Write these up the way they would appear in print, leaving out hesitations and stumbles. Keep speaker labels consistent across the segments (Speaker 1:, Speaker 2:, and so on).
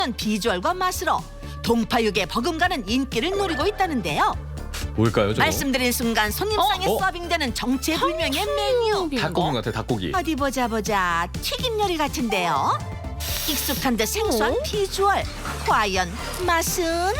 Speaker 1: 비주얼과 맛으로 동파육의 버금가는 인기를 노리고 있다는데요.
Speaker 2: 뭘까요, 저거?
Speaker 1: 말씀드린 순간 손님상에
Speaker 2: 어?
Speaker 1: 서빙되는 정체불명의 메뉴.
Speaker 2: 닭고기 같아, 닭고기.
Speaker 1: 어디 보자. 튀김 요리 같은데요. 익숙한 듯 생소한 비주얼. 과연 맛은?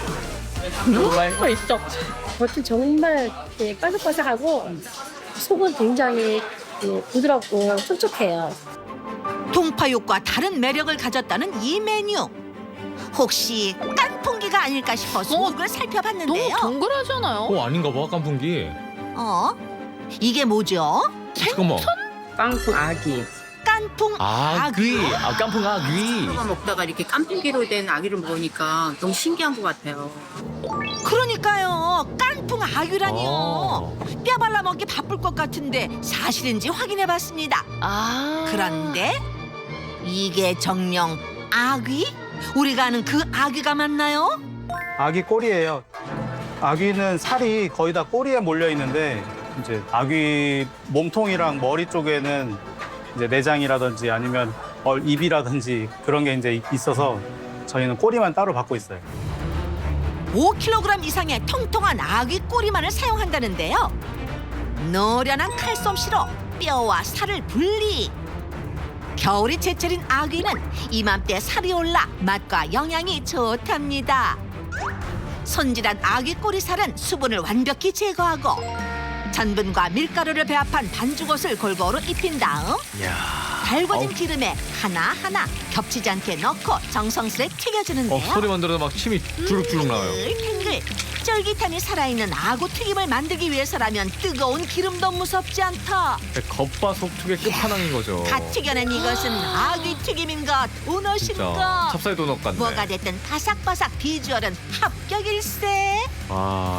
Speaker 3: 맛있어. 겉은 정말 바삭바삭하고 속은 굉장히 부드럽고 촉촉해요.
Speaker 1: 동파육과 다른 매력을 가졌다는 이 메뉴. 혹시 깐풍기가 아닐까 싶어 속을
Speaker 4: 너무
Speaker 1: 살펴봤는데요.
Speaker 4: 동그라잖아요.
Speaker 2: 아닌가 봐, 깐풍기.
Speaker 1: 이게 뭐죠?
Speaker 2: 잠깐만.
Speaker 5: 깡통 아기.
Speaker 1: 깐풍
Speaker 2: 아귀. 깐풍 아귀.
Speaker 5: 누가 먹다가 이렇게 깐풍기로 된 아기를 먹으니까 너무 신기한 것 같아요.
Speaker 1: 그러니까요. 깐풍 아귀라니요.
Speaker 2: 아.
Speaker 1: 뼈 발라 먹기 바쁠 것 같은데 사실인지 확인해봤습니다. 그런데 이게 정녕 아귀? 우리가 아는 그 아귀가 맞나요?
Speaker 6: 아기 꼬리예요. 아기는 살이 거의 다 꼬리에 몰려 있는데 이제 아기 몸통이랑 머리 쪽에는 이제 내장이라든지 아니면 입이라든지 그런 게 이제 있어서 저희는 꼬리만 따로 받고 있어요.
Speaker 1: 5kg 이상의 통통한 아귀 꼬리만을 사용한다는데요. 노련한 칼솜씨로 뼈와 살을 분리. 겨울이 제철인 아귀는 이맘때 살이 올라 맛과 영양이 좋답니다. 손질한 아귀 꼬리살은 수분을 완벽히 제거하고 전분과 밀가루를 배합한 반죽옷을 골고루 입힌 다음 달궈진 기름에 하나하나 겹치지 않게 넣고 정성스레 튀겨주는데요.
Speaker 2: 소리만 들어도 막 침이 주룩주룩 나와요.
Speaker 1: 탱글 쫄깃함이 살아있는 아구 튀김을 만들기 위해서라면 뜨거운 기름도 무섭지 않다.
Speaker 2: 겉바속촉의 끝판왕인 거죠.
Speaker 1: 갓 튀겨낸 이것은 아귀 튀김인가 도넛인가.
Speaker 2: 찹쌀 도넛 같네.
Speaker 1: 뭐가 됐든 바삭바삭 비주얼은 합격일세.
Speaker 2: 아.